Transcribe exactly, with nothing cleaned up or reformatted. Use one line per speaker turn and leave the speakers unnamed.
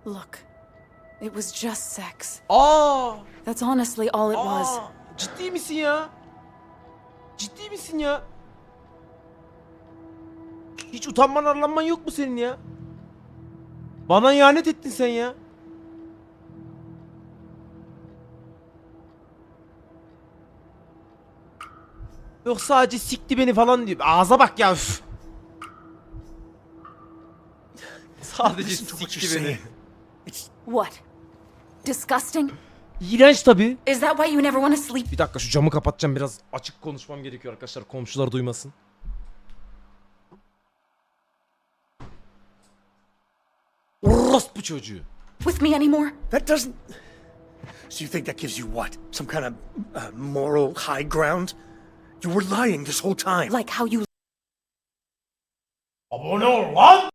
Look, it was just sex.
Aa!
That's honestly all it was.
Aa! Ciddi misin ya? Ciddi misin ya? Hiç utanman arlanman yok mu senin ya? Bana ihanet ettin sen ya. Yok sadece sikti beni falan diyor. Ağza bak ya. Üf. Sadece
Listen to what
sikti
you're
beni.
saying. It's
What? Disgusting?
İğrenç tabii.
Is that why you never want to sleep?
Bir dakika şu camı kapatacağım, biraz açık konuşmam gerekiyor arkadaşlar, komşular duymasın. Orospu çocuğu.
With me anymore?
that doesn't. So you think that gives you what? Some kind of uh, moral high ground? You were lying this whole time.
Like how you
Abone ol lan.